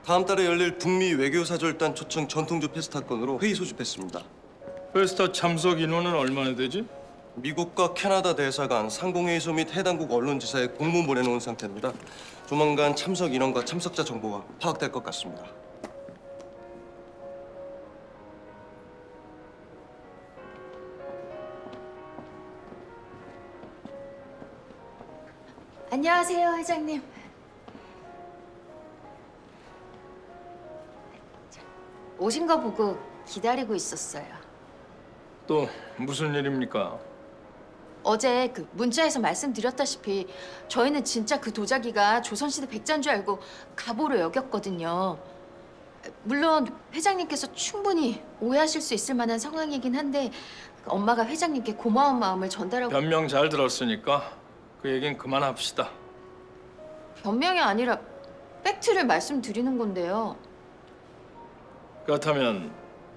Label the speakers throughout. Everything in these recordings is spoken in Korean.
Speaker 1: 다음 달에 열릴 북미 외교사절단 초청 전통주 페스타 건으로 회의 소집했습니다.
Speaker 2: 페스타 참석 인원은 얼마나 되지?
Speaker 1: 미국과 캐나다 대사관, 상공회의소 및 해당국 언론지사에 공문 보내놓은 상태입니다. 조만간 참석 인원과 참석자 정보가 파악될 것 같습니다.
Speaker 3: 안녕하세요, 회장님. 오신 거 보고 기다리고 있었어요.
Speaker 2: 또 무슨 일입니까?
Speaker 3: 어제 그 문자에서 말씀드렸다시피 저희는 진짜 그 도자기가 조선시대 백자인 줄 알고 가보로 여겼거든요. 물론 회장님께서 충분히 오해하실 수 있을 만한 상황이긴 한데 엄마가 회장님께 고마운 마음을 전달하고
Speaker 2: 변명 잘 들었으니까 그 얘긴 그만합시다.
Speaker 3: 변명이 아니라 팩트를 말씀드리는 건데요.
Speaker 2: 그렇다면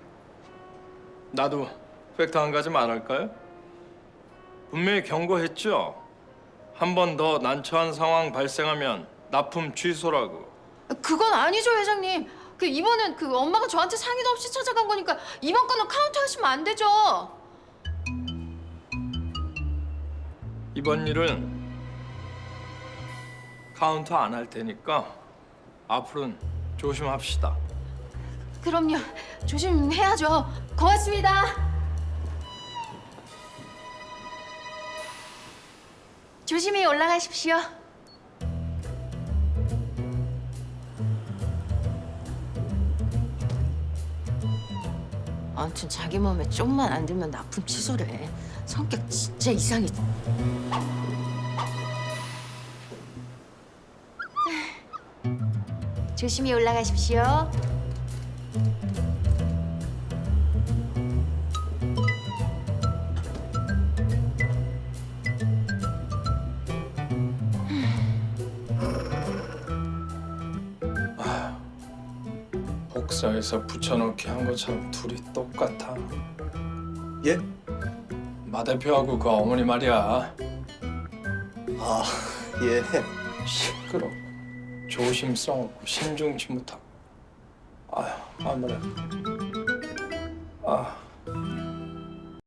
Speaker 2: 나도 팩트 한 가지 말할까요? 분명히 경고했죠. 한 번 더 난처한 상황 발생하면 납품 취소라고.
Speaker 3: 그건 아니죠, 회장님. 그 이번엔 그 엄마가 저한테 상의도 없이 찾아간 거니까 이번 건은 카운트 하시면 안 되죠.
Speaker 2: 이번 일은 카운트 안 할 테니까 앞으로는 조심합시다.
Speaker 3: 그럼요. 조심해야죠. 고맙습니다. 조심히 올라가십시오. 아무튼 자기 마음에 좀만 안 들면 납품 취소래. 성격 진짜 이상해. 조심히 올라가십시오.
Speaker 2: 복사해서 붙여넣기 한 것처럼 둘이 똑같아.
Speaker 1: 예?
Speaker 2: 마 대표하고 그 어머니 말이야.
Speaker 1: 아, 예.
Speaker 2: 시끄럽고 조심성 없고 신중치 못하고. 아휴 아무래. 아.